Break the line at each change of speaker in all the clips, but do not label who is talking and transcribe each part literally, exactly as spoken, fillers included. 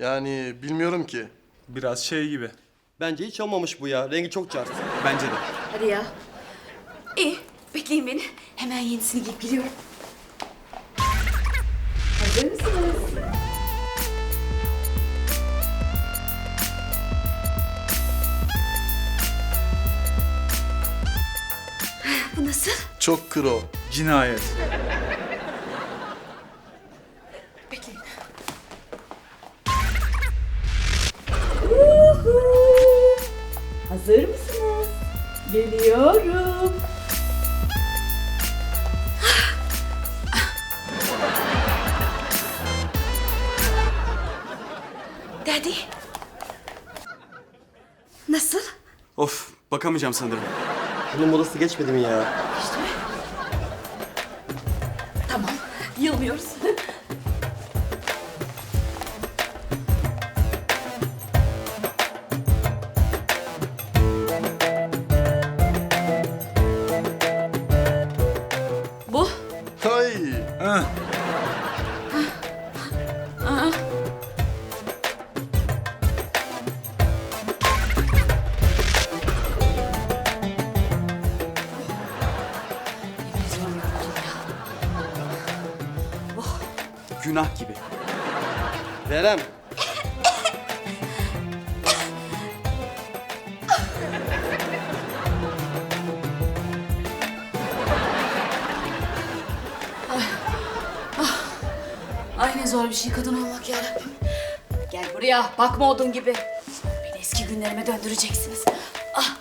Yani bilmiyorum ki.
Biraz şey gibi.
Bence hiç olmamış bu ya. Rengi çok cart.
Bence de.
Hadi ya. İyi, bekleyin beni. Hemen yenisini giyip geliyorum. Hazır mısınız? Bu nasıl?
Çok kro.
Cinayet.
Bekleyin. Hazır mısınız? Geliyorum. Daddy. Nasıl?
Of, bakamayacağım sanırım.
Bunun modası geçmedi mi ya?
İşte. Tamam, yılmıyoruz. Bu.
Hay.
Heh.
Günah gibi.
Verem.
Ay ne zor bir şey kadın olmak yarabbim. Gel buraya, bakma odun gibi. Beni eski günlerime döndüreceksiniz. Ah.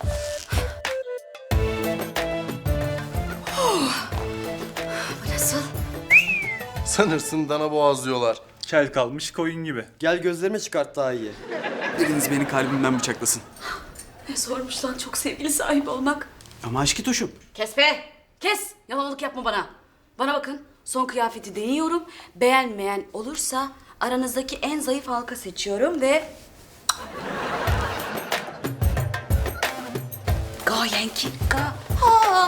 Oh. Bu nasıl?
Sanırsın dana boğazlıyorlar.
Kel kalmış koyun gibi.
Gel gözlerime çıkart daha iyi.
Biriniz beni kalbimden bıçaklasın.
Ne zormuş lan çok sevgili sahibi olmak.
Ama aşkı tuşum.
Kes be! Kes! Yalanlık yapma bana. Bana bakın, son kıyafeti deniyorum. Beğenmeyen olursa aranızdaki en zayıf halka seçiyorum ve... Gayenki ga hal.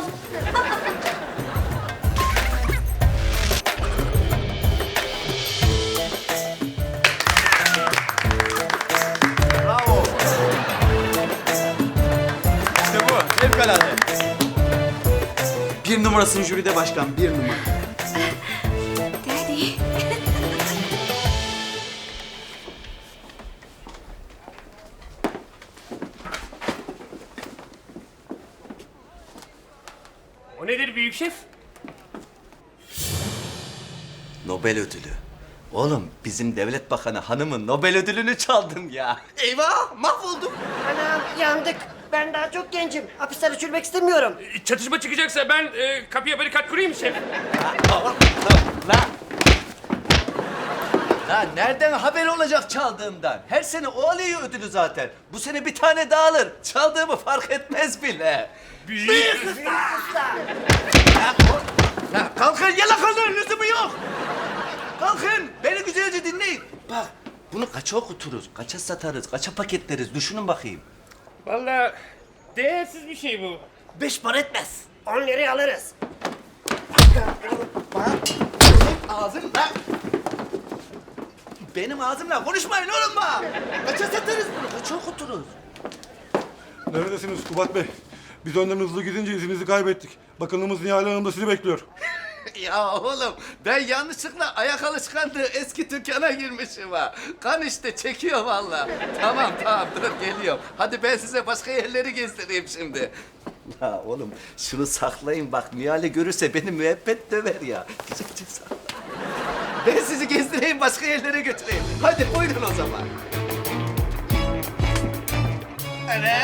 İşte bu. Fevkalade. Bir numarasın jüride başkan, bir numara.
Daddy.
O nedir büyük şef?
Nobel ödülü. Oğlum bizim devlet bakanı hanımın Nobel ödülünü çaldım ya. Eyvah mahvoldum.
Anam yandık. Ben daha çok gencim. Hapisten uçurmak istemiyorum.
Çatışma çıkacaksa ben e, kapıya barikat kurayım mı şef?
La. La nereden haber olacak çaldığımdan? Her sene o alıyor ödülü zaten. Bu sene bir tane daha alır. Çaldığımı fark etmez bile.
Büyük.
Ya, o- ya kalkın yalakanların lüzumu yok. Kalkın beni güzelce dinleyin. Bak bunu kaça okuturuz, kaça satarız, kaça paketleriz düşünün bakayım.
Vallahi değersiz bir şey bu.
Beş para etmez.
On liraya alırız.
Ağzımla. Benim ağzımla konuşmayın oğlum bak. Kaça satarız bunu, kaça okuturuz.
Neredesiniz Kubat Bey? Biz önden hızlı gidince izinizi kaybettik. Bakanımız Nihal Hanım da sizi bekliyor.
Ya oğlum ben yanlışlıkla ayak alışkanlığı eski dükkana girmişim ha. Kan işte çekiyor vallahi. Tamam tamam dur geliyorum. Hadi ben size başka yerleri gezdireyim şimdi. Ya oğlum şunu saklayın bak Nihal'i görürse beni müebbet döver ya. Güzelce sakla. Ben sizi gezdireyim başka yerlere götüreyim. Hadi buyurun o zaman. Evet.